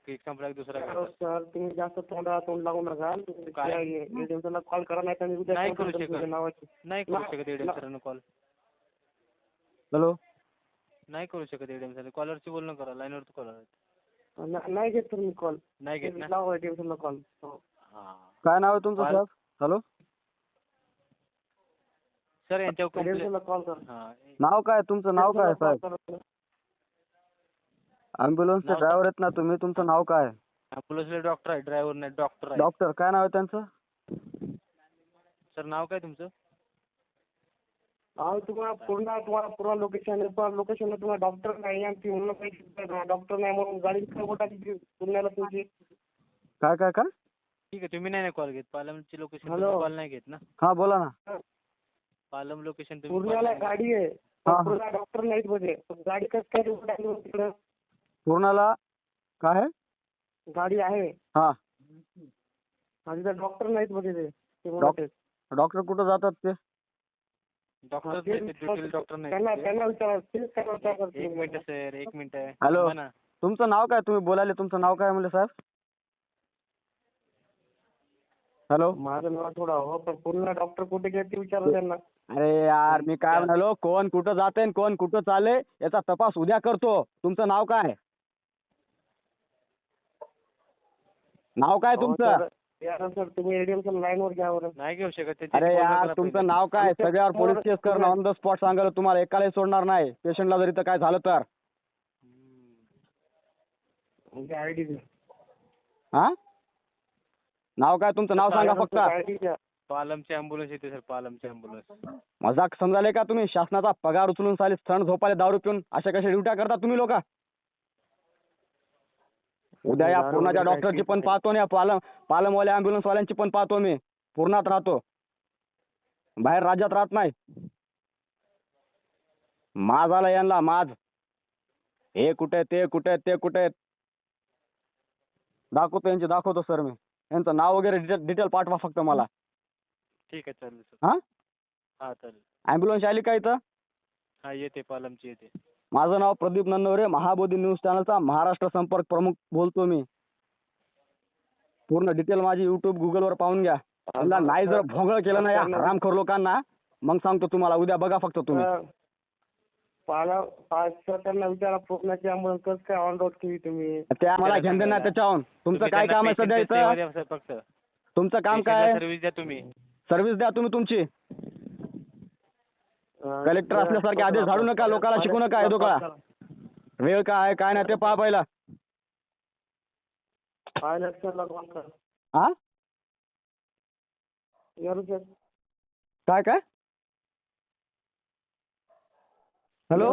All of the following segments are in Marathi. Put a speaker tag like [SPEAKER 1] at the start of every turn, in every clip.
[SPEAKER 1] संपला की दुसरा घ्या.
[SPEAKER 2] सर तुम्ही जास्त तोंड लागू नका. एडीएमला कॉल करा, नाही तर मी उद्या
[SPEAKER 1] नाही
[SPEAKER 2] call
[SPEAKER 1] करू
[SPEAKER 2] करतो
[SPEAKER 1] शकत.
[SPEAKER 2] तुमच्या नावाची.
[SPEAKER 1] नाही करू शकत एडीएम सरांना कॉल.
[SPEAKER 3] हॅलो.
[SPEAKER 1] नाही करू शकत एडीएम सर. कॉलरशी बोलणं करा, लाईनवर कॉल आहे.
[SPEAKER 2] नाही घेत सर मी कॉल.
[SPEAKER 1] नाही घेत ना.
[SPEAKER 2] लावा एडीएमला कॉल.
[SPEAKER 1] हा
[SPEAKER 3] काय नाव आहे तुमचं साहेब? हॅलो.
[SPEAKER 1] सर यांच्यावर कंप्लेंट.
[SPEAKER 2] एडीएमला कॉल करा.
[SPEAKER 1] हा
[SPEAKER 3] नाव काय तुमचं? नाव काय साहेब? ॲम्ब्युलन्सचे ड्रायव्हर आहेत ना तुम्ही, तुमचं नाव काय?
[SPEAKER 1] ॲम्ब्युलन्सला डॉक्टर आहे, ड्रायव्हर नाही, डॉक्टर आहे.
[SPEAKER 3] डॉक्टर काय नाव आहे त्यांचं?
[SPEAKER 1] सर नाव काय तुमचं?
[SPEAKER 2] तुम्हाला पूर्ण लोकेशनला तुम्हाला डॉक्टर नाही आणि ती म्हणून काही डॉक्टर नाही म्हणून गाडी बोटाची पुण्याला तुमची.
[SPEAKER 3] काय काय काय?
[SPEAKER 1] ठीक आहे, तुम्ही नाही कॉल घेत. पालमची लोकेशन
[SPEAKER 2] हॅलो.
[SPEAKER 1] कॉल नाही घेत ना.
[SPEAKER 3] हा बोला ना.
[SPEAKER 1] पालम लोकेशन तुम्ही
[SPEAKER 2] पूर्णाला गाडी आहे,
[SPEAKER 3] हा.
[SPEAKER 2] पूर्ण डॉक्टर नाहीत मध्ये. गाडी कसं काय तिकडं?
[SPEAKER 3] पूर्णाला काय आहे?
[SPEAKER 2] गाडी आहे
[SPEAKER 3] हा.
[SPEAKER 2] आणि तिथं डॉक्टर नाहीत मध्ये ते म्हणत आहेत.
[SPEAKER 3] डॉक्टर कुठं जातात ते?
[SPEAKER 1] डॉक्टर
[SPEAKER 2] हा, ते
[SPEAKER 1] डॉक्टर नाही.
[SPEAKER 2] त्यांना विचारा, तेच काय विचार करते.
[SPEAKER 1] एक मिनिट सर, एक मिनिट.
[SPEAKER 3] हॅलो.
[SPEAKER 1] थांबा ना.
[SPEAKER 3] तुमचं नाव काय? तुम्ही बोलायले तुमचं नाव काय म्हणले साहेब? हॅलो.
[SPEAKER 2] माझं नाव थोडं हो, पण पूर्ण डॉक्टर कुठे गेले ते विचारा त्यांना.
[SPEAKER 3] अरे यार मी काय म्हणालो, कोण कुठं जाते कोण कुठं चालले याचा तपास उद्या करतो. तुमचं नाव काय? नाव काय तुमचं?
[SPEAKER 2] यार सर तुम्ही एडीएम लाईनवर घ्या बरं.
[SPEAKER 1] नाही घेऊ शकत.
[SPEAKER 3] अरे यार तुमचं नाव काय? सगळ्यावर पोलीस केस करणं ऑन द स्पॉट सांगायला तुम्हाला एकालाही सोडणार नाही. पेशंटला जर इथं काय झालं तर.
[SPEAKER 2] आयडी द्या.
[SPEAKER 3] हा. नाव काय तुमचं? नाव सांगा फक्त.
[SPEAKER 2] आयडी द्या.
[SPEAKER 1] पालमची ॲम्ब्युलन्स येते सर, पालमची ॲम्ब्युलन्स.
[SPEAKER 3] मजाक समजाले का तुम्ही? शासनाचा पगार उचलून साली स्थळ झोपाले दारू पिऊन अशा कशा ड्युट्या करता तुम्ही लोक? उद्या या पूर्णाच्या डॉक्टरची पण पाहतो ना, पालमवाल्या ॲम्ब्युलन्स वाल्यांची पण पाहतो मी. पूर्णात राहतो, बाहेर राज्यात राहत नाही. माज आला यांना माज. हे कुठे ते कुठे ते कुठे दाखवतो सर मी. यांचं नाव वगैरे डिटेल पाठवा फक्त मला.
[SPEAKER 1] ठीक आहे चालेल सर.
[SPEAKER 3] हा.
[SPEAKER 1] हा चालेल.
[SPEAKER 3] ॲम्ब्युलन्स आली का इथं?
[SPEAKER 1] हा येते, पालमची येते.
[SPEAKER 3] माझं नाव प्रदीप नन्नवरे, महाबोधी न्यूज चॅनलचा महाराष्ट्र संपर्क प्रमुख बोलतो मी. पूर्ण डिटेल माझी युट्यूब गुगलवर पाहून घ्या. त्यांना नाही जर भोंगळ केलं ना या हरामखोर लोकांना, मग सांगतो तुम्हाला. उद्या बघा फक्त तुम्ही.
[SPEAKER 2] त्यांना विचारा पूर्णाची ॲम्ब्युलन्स कसं काय ऑन रोड केली तुम्ही.
[SPEAKER 3] ते आम्हाला घेऊन देणार त्याच्याहून. तुमचं काय काम आहे सध्या इथं?
[SPEAKER 1] फक्त
[SPEAKER 3] तुमचं काम काय?
[SPEAKER 1] सर्व्हिस द्या तुम्ही.
[SPEAKER 3] सर्व्हिस द्या तुम्ही तुमची. कलेक्टर असल्यासारखे आदेश झाडू नका, लोकांना शिकू नका. येतो का वेळ काय आहे काय नाही ते पहा पहिला. हा. काय काय? हॅलो.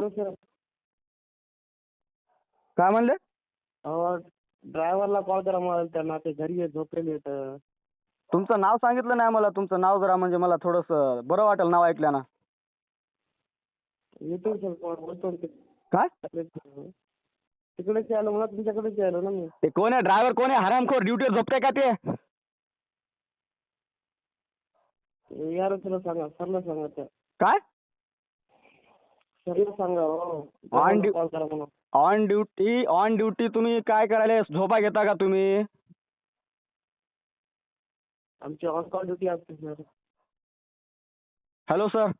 [SPEAKER 3] काय म्हणले?
[SPEAKER 2] ड्रायव्हरला कॉल करा मला, त्यांना ते घरी झोपलेले आहेत.
[SPEAKER 3] तुमचं नाव सांगितलं नाही मला. तुमचं नाव जरा म्हणजे मला थोडंसं बरं वाटेल नाव ऐकल्यानं.
[SPEAKER 2] येतो सर, बोलतो.
[SPEAKER 3] काय
[SPEAKER 2] तिकडेच आलो मला, तुमच्याकडेच आलो ना मी.
[SPEAKER 3] ते कोण आहे ड्रायव्हर? कोण आहे? हरामखोर ड्युटीवर झोपते का ते?
[SPEAKER 2] यार तुला सांगा, सरला सांगा त्या.
[SPEAKER 3] काय?
[SPEAKER 2] सरला सांगा हो. कॉल करा म्हणून.
[SPEAKER 3] ऑन ड्युटी तुम्ही काय करायला? झोपा घेता का तुम्ही?
[SPEAKER 2] आमची ऑन कॉल ड्युटी असते सर.
[SPEAKER 3] Hello sir.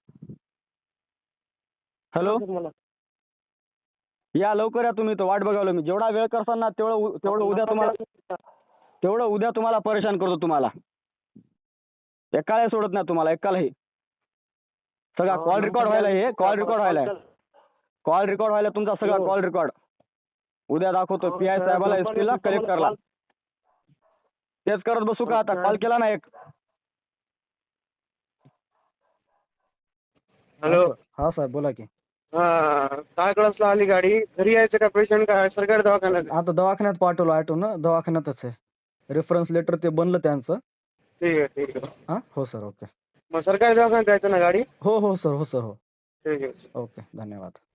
[SPEAKER 3] हॅलो.
[SPEAKER 2] मला
[SPEAKER 3] या लवकर या तुम्ही. तर वाट बघावलं मी. जेवढा वेळ करसाल ना तेवढं उद्या तुम्हाला परेशान करतो तुम्हाला. एकालाही सोडत नाही तुम्हाला, एकालाही. सगळा कॉल रेकॉर्ड व्हायला, हे कॉल रेकॉर्ड व्हायला तुमचा सगळा कॉल रेकॉर्ड. उद्या दाखवतो PI साहेबाला, SP ला, कलेक्टरला. तेच करत बसू का आता? कॉल केला ना एक.
[SPEAKER 2] हॅलो.
[SPEAKER 4] हा साहेब बोला की.
[SPEAKER 2] काय क्लासला आली गाडी? घरी यायचं का पेशंट काय सरकारी दवाखान्यात?
[SPEAKER 4] आता दवाखान्यात पाठवलं ऑटोन, दवाखान्यातच आहे. रेफरन्स लेटर ते बनलं त्यांचं.
[SPEAKER 2] ठीक आहे ठीक आहे.
[SPEAKER 4] हा हो सर. ओके.
[SPEAKER 2] मग सरकारी दवाखान्यात जायचं ना गाडी?
[SPEAKER 4] हो सर. हो.
[SPEAKER 2] ठीक आहे.
[SPEAKER 4] ओके धन्यवाद.